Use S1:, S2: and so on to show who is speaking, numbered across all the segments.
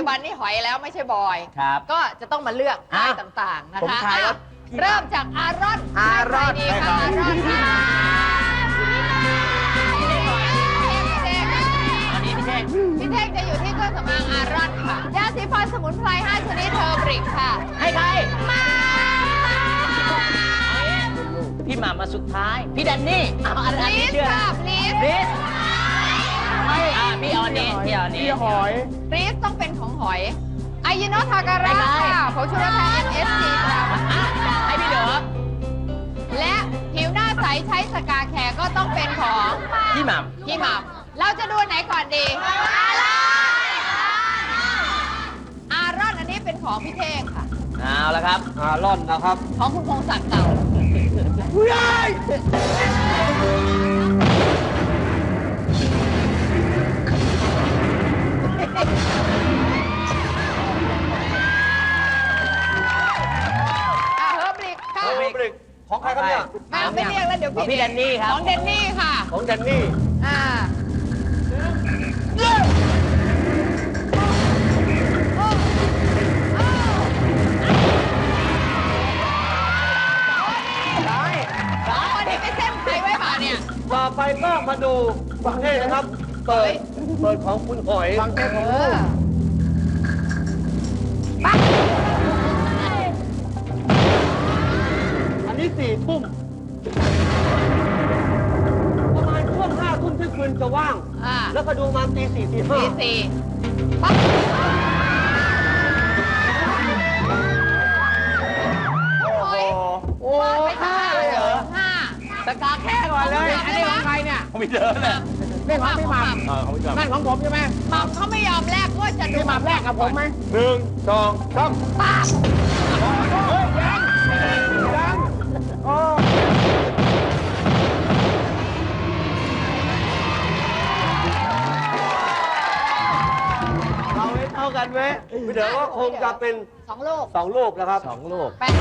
S1: บันนี่หอยแล้วไม่ใช่บอย
S2: ครับ
S1: ก็จะต้องมาเลือกป้ายต่างๆนะ
S2: ผม
S1: คะ
S2: ทายว่า
S1: เริ่มจากอารอน
S2: อารอน
S1: ดีค่ะอารอนพี่เท่งจะอยู่ที่เครื่องสำอางอารอนค่ะยาสีฟันสมุนไพร5ชนิดเทอร์บริกค่ะ
S2: ให้ใคร
S1: มา
S2: พี่หม่ำมาสุดท้าย พี่แดนนี่เอาอัน
S1: ลี
S2: นี้
S1: ส
S2: เชื่อ
S1: ค่ะลีส
S2: ลิสพี่ออนนี่พี่ออนนี่
S3: พี่หอย
S1: ลีสต้องเป็นของหอยไอยิโนทาการะค่ะผงชูรสแทน MSG ค่ะ
S2: ให้พี่เด๋อ
S1: และผิวหน้าใสใช้สกาแคร์ก็ต้องเป็นของ
S2: พี่หม่
S1: พี่หม่ำเราจะดูไหนก่อนดี อารอนอันนี้เป็นของพี่เท่งค่ะ
S2: ำเอาละครับ
S3: ร่อนนะครับ
S1: ของคุณพงศักดิ์เก่า
S3: ผู้ใหญ่
S1: เฮอร์บริกค่ะ
S3: ของใครครับเนี่ย
S1: ไม่เรียกแล้วเดี๋ยว
S2: ของพี่แดนนี่ครับ
S1: ของเดนนี่ค่ะ
S3: ของแดนนี่
S1: อ่าสองคนนี้ไปเส้นใครไว้ป่ะเนี่ย
S3: ต่อไปก็มาดูฟังให้นะครับ เปิดของคุณหอยฟังแค่ของ
S1: เออ
S3: อันนี้4 ทุ่ม ประมาณช่วง5 ทุ่มเที่ยงคืนจะว่าง
S1: อ่า
S3: แล้วก็ดูมาตี 4 ตี
S1: ตี
S3: 5
S1: สี่ปั๊บ
S3: โอ้โห
S1: ไปห้าเลยเหรอห้า
S2: สกาแค่ก่อนเลย
S1: อันนี้ของใครเนี่ย
S3: ของพี่เดินแหละ
S1: ไม่ของพี่หม่ำ
S3: ของพี่เดิน
S4: นั่นของผมใช่ไหม
S1: หม่ำเขาไม่ยอมแลกว่าจะดู
S4: พี่หม่ำแรกกับผมไหม
S3: 1 2 3
S1: ปั๊บ
S4: ยังโอ้
S3: เอาไว้เท่ากันเว้ยพี่เดินก็คงจะเป็น
S1: 2 ลูก
S3: 2 ลูกนะครับ
S2: 2 ลูก
S1: แปะ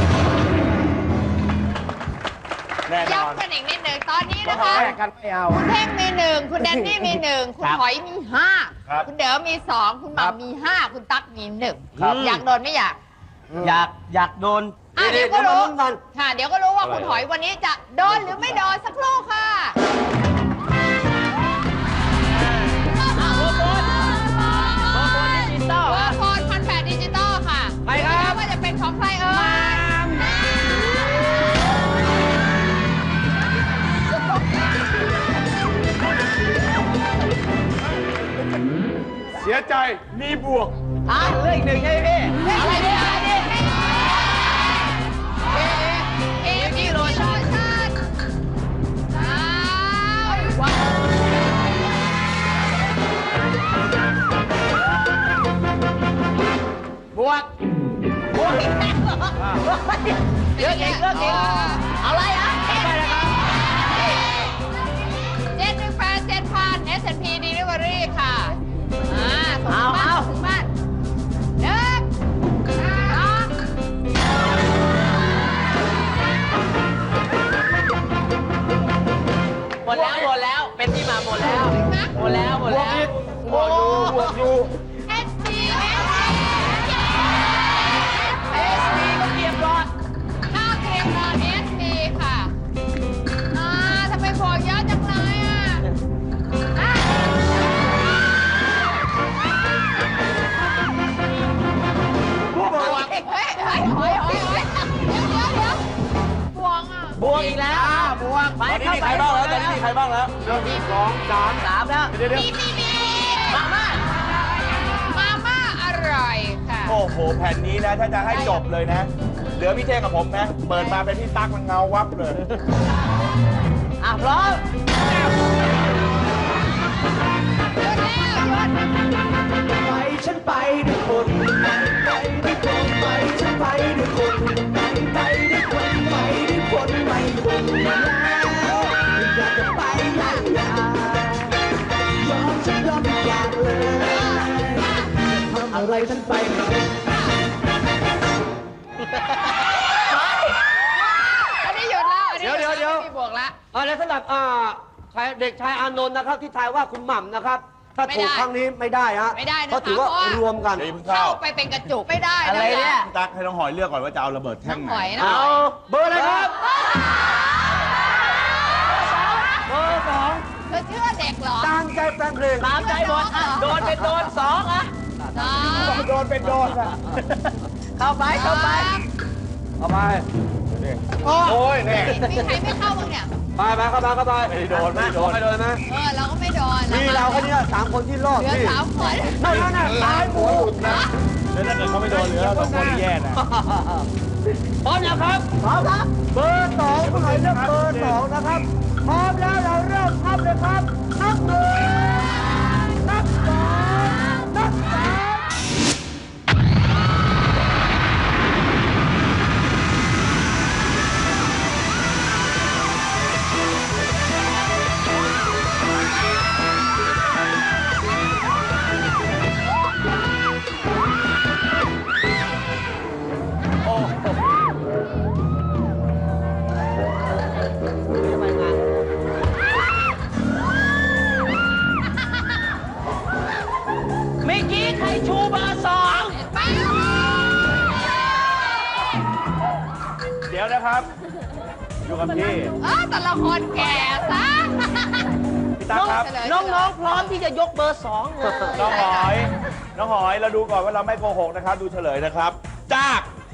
S3: แน่นอน
S1: ย้ำกันอีกนิดหนึ่งตอนนี้นะคะ
S4: แรกกันไม่เอา
S1: คุณเท่งมี 1 คุณแดนนี่มี 1 คุณหอยมี 5 คุณเด๋อมี 2 คุณหม่ำมี 5 คุณตั๊กมี
S2: ครับ
S1: 1 อยากโดนไม่อยาก
S2: อยากโดน
S1: เดี๋ยวก็รู้
S3: เดี๋ยวมาลุ้นกัน
S1: ค่ะ เดี๋ยวก็รู้ว่าคุณหอยวันนี้จะโดนหรือไม่โดนสักครู่ค่ะ
S2: ดิจิตอล
S1: เบอร์โคน1,800ดิจิตอลค่ะ
S2: ใครครับ
S1: ดูนะว่าจะเป็นของใครเอ่ย
S3: เสียใจมีบวก
S2: เลือกอีกหนึ่งใช่ไหมพี่
S1: อะไรเนี่ยเอมีโลชั่นอ้าวว้าว
S2: บวก
S1: เยอะเองเลิกเองอะไรอ่ะ718,7,000 S&P Delivery ค่ะส่งถึงบ้าน1
S2: หมดแล้ว เป็นที่มาหมดแล้ว หมดแล้ว
S3: บวกอยู่
S1: SP
S2: ก็เกียบรอด
S1: ข้าวเกรียมนอน SP ค่ะทำไมบอกเยอะจังเลยบวกเฮ้ยเดี๋ยวบวกอ่ะ
S2: บวกอีกแล้ว บวกไป
S3: ตอนนี้มีใครบ้างแล้วตอนนี้มีใครบ้างแล้ว1 2 3
S2: 3แล้ว
S3: เดี๋ยว
S1: มี
S2: มาม่า
S1: มาม่าอร่อยค่ะ
S5: โอ้โห แผ่นนี้นะ ถ้าจะให้จบเลยนะ เหลือพี่เท่งกับผมนะ เปิดมาเป็นพี่ตั๊กมันเงาวับเลย
S2: พร้อม
S4: ไปฉันไปด้วยคนไปด้วยคนไปฉันไปด้วยคนไปด้วยคนไปด้วยคนไม่คนแล้วอยากจะไปอยากยอมฉันยอมทุกอย่างเลยทำอะไรฉันไปไม่ได้
S1: อันนี้หยุดแล้ว
S3: เดี๋ยว
S1: มีบวกแล้ว
S3: และสำหรับเด็กชายอานนท์นะครับที่ทายว่าคุณหม่ำนะครับถ้า
S1: ไม่
S3: ถู
S1: ได้
S3: กครั้งนี้ไม่ได้ฮะ
S1: ไม่ได้นะคะ
S3: เพราะถือว่า
S1: เพราะว่า
S3: รวมกัน
S5: เดี๋ยวเพิ่ง
S1: เข้า
S5: เข้า
S1: ไปเป็นกระจุกไม่ได้
S2: อะไรเนี่ย
S5: พี่ตั๊กให้น้องหอยเลือกก่อนว่าจะเอาระเบิดแท่
S1: น้อง ง
S5: ไห
S1: หอย
S5: น
S1: นะ
S3: เอาเบอร์อะไรครับ เบอร์สอง
S1: เธอเชื่อเด็กเหรอ
S3: ตามใจแฟนเพลง
S2: ตามใจหมดอ่ะโดนเป็นโดนสองอ่ะ
S1: สาม
S5: โดนเป็นโดนอะ
S2: เข้าไปเข้าไป
S3: เอาไป
S5: โอ้ยเนี่ย
S1: มีใครไม่เข้าบ้างเนี่ย
S3: ไปเข้าไป
S5: ไม่ได้โดนไม่ได้โดน
S3: ไม่โดนไหม
S1: เราก็ไม่โดน
S3: มีเราแค่นี้สามคนที่รอด
S1: เหลือ
S3: พี่
S1: สามคน
S3: นั่นตายหมด
S5: แล้วถ้าเกิดเขาไม่โดนเหลือเราสองคนนี่แย่นะ
S2: พร้อมแล้วครับ
S3: พร้อมครับ เบอร์สองคุณหอยเลือกเบอร์สองนะครับ พร้อมแล้วเราเริ่มครับเลยครับ นับหนึ่งนับสองนับสาม
S2: เมื่อกี้ใครชูเบอร์สอง
S5: เดี๋ยวนะครับ อยู่กับพี่
S1: แต่ละคนแก่ซะ
S5: พี่ตั๊กครับ
S2: น้องๆพร้อมที่จะยกเบอร์สองเลย
S5: น้องหอย น้องหอยเราดูก่อนว่าเราไม่โกหกนะครับ ดูเฉลยนะครับ จาก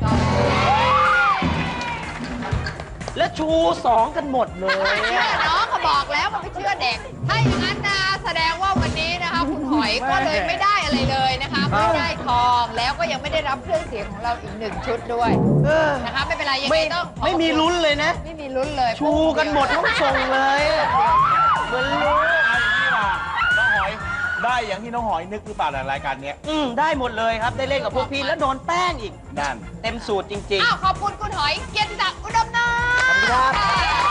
S2: แล้วชูสองกันหมดเลย
S1: ไม่เชื่อน้องก็บอกแล้วมันไม่เชื่อเด็ก ถ้าอย่างนั้นนะแสดงว่าวันนี้นะคะคุณหอยก็เลยไม่ได้อะไรเลยนะคะไม่ได้ทองแล้วก็ยังไม่ได้รับเครื่องเสียงของเราอีกหนึ่งชุดด้วยนะคะไม่เป็นไรยังไง
S2: ไม่
S1: ต้องขอ
S2: ไม่มีลุ้นเลยนะ
S1: ไม่มีลุ้นเลย
S2: ชูกันหมดทั้งทรงเลยเหมือนรู้
S5: เอาอย่างนี้ล่ะน้องหอยได้อย่างที่น้องหอยนึกหรือเปล่าในรายการเนี้ย
S2: ได้หมดเลยครับ ได้เล่นกับพวกพี่แล้วโดนแป้งอีก
S5: นั่น
S2: เต็มสูตรจริง
S1: อ้าวขอบคุณคุณหอยเกียรติศักดิ์อุดมนาถ
S2: ขอบคุณครับ